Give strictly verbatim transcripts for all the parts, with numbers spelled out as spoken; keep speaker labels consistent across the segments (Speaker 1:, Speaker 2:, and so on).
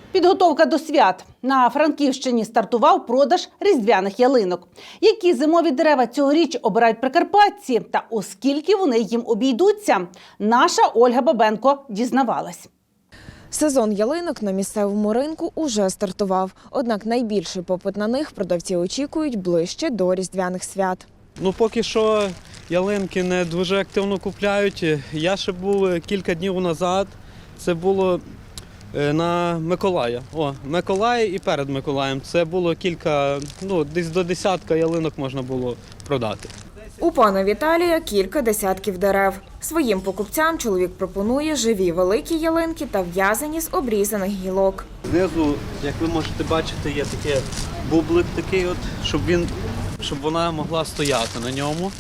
Speaker 1: Підготовка до свят. На Франківщині стартував продаж різдвяних ялинок. Які зимові дерева цьогоріч обирають прикарпатці та оскільки вони їм обійдуться, наша Ольга Бабенко дізнавалась.
Speaker 2: Сезон ялинок на місцевому ринку уже стартував. Однак найбільший попит на них продавці очікують ближче до різдвяних свят.
Speaker 3: Ну, поки що ялинки не дуже активно купляють. Я ще був кілька днів назад, це було на Миколая. О, Миколай і перед Миколаєм. Це було кілька, ну, десь до десятка ялинок можна було продати.
Speaker 2: У пана Віталія кілька десятків дерев. Своїм покупцям чоловік пропонує живі великі ялинки та в'язані з обрізаних гілок.
Speaker 3: Знизу, як ви можете бачити, є такий бублик такий, от, щоб, він, щоб вона могла стояти на ньому.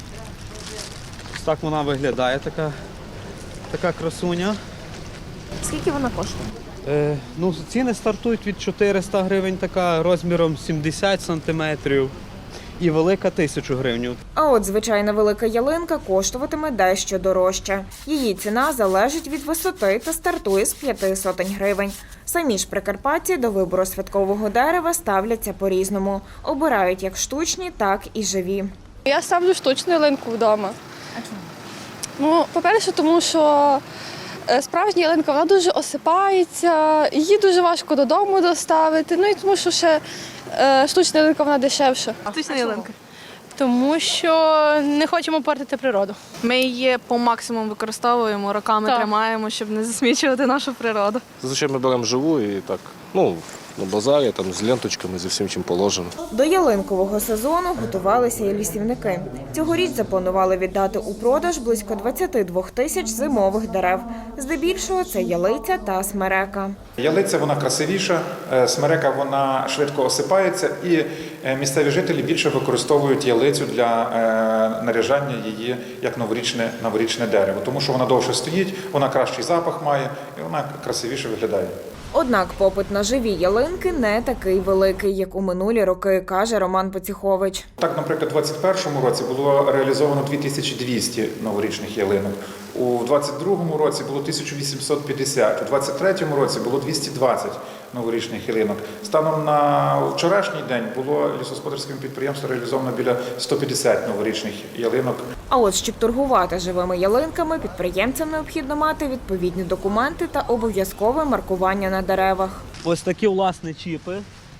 Speaker 3: Ось так вона виглядає, така, така красуня.
Speaker 2: Скільки вона коштує?
Speaker 3: Е, ну, ціни стартують від чотириста гривень, така розміром сімдесят сантиметрів. І велика – тисячу гривень.
Speaker 2: А от звичайна велика ялинка коштуватиме дещо дорожче. Її ціна залежить від висоти та стартує з п'яти сотень гривень. Самі ж прикарпатці до вибору святкового дерева ставляться по-різному. Обирають як штучні, так і живі.
Speaker 4: Я ставлю штучну ялинку вдома. А чому? Ну, по-перше, тому що справжня ялинка, вона дуже осипається, її дуже важко додому доставити, ну і тому що ще е, штучна ялинка, вона дешевша.
Speaker 5: Штучна ялинка. Тому що не хочемо портити природу. Ми її по максимуму використовуємо, роками
Speaker 4: Так.
Speaker 5: тримаємо, щоб не засмічувати нашу природу.
Speaker 6: Зазвичай ми беремо живу і так, ну, на базарі, там, з ленточками, зі всім, чим положено.
Speaker 2: До ялинкового сезону готувалися і лісівники. Цьогоріч запланували віддати у продаж близько двадцяти двох тисяч зимових дерев. Здебільшого це ялиця та смерека.
Speaker 7: Ялиця, вона красивіша, смерека, вона швидко осипається, і місцеві жителі більше використовують ялицю для наряжання її як новорічне, новорічне дерево, тому що вона довше стоїть, вона кращий запах має і вона красивіше виглядає.
Speaker 2: Однак попит на живі ялинки не такий великий, як у минулі роки, каже Роман Поціхович.
Speaker 7: Так, наприклад, у двадцять першому році було реалізовано дві тисячі двісті новорічних ялинок, у двадцять другому році було тисяча вісімсот п'ятдесят, у двадцять третьому році було двісті двадцять новорічних ялинок. Станом на вчорашній день було лісогосподарським підприємством реалізовано біля ста п'ятдесят новорічних ялинок.
Speaker 2: А от щоб торгувати живими ялинками, підприємцям необхідно мати відповідні документи та обов'язкове маркування на деревах.
Speaker 3: Ось такі, власне, чіпи.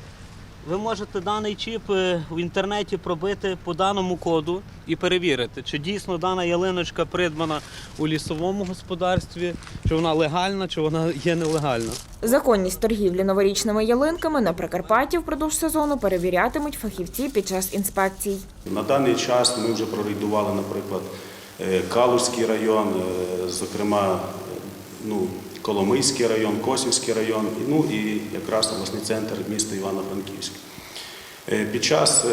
Speaker 3: Ви можете даний чіп в інтернеті пробити по даному коду і перевірити, чи дійсно дана ялиночка придбана у лісовому господарстві, чи вона легальна, чи вона є нелегальна.
Speaker 2: Законність торгівлі новорічними ялинками на Прикарпатті впродовж сезону перевірятимуть фахівці під час інспекцій.
Speaker 8: На даний час ми вже прорейдували, наприклад, Калузький район, зокрема, ну, Коломийський район, Косівський район, ну і якраз обласний центр міста Івано-Франківськ. Під час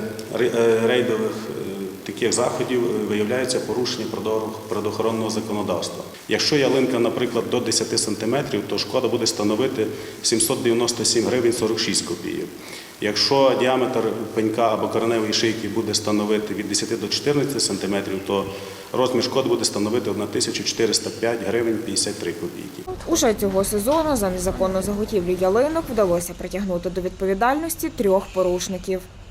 Speaker 8: рейдових таких заходів виявляється порушення природоохоронного законодавства. Якщо ялинка, наприклад, до десяти сантиметрів, то шкода буде становити сімсот дев'яносто сім гривень сорок шість копійок. Якщо діаметр пенька або кореневої шийки буде становити від десяти до чотирнадцяти сантиметрів, то розмір шкоди буде становити тисячу чотириста п'ять гривень п'ятдесят три копійки.
Speaker 2: Уже цього сезону за незаконну заготівлю ялинок вдалося притягнути до відповідальності трьох порушників.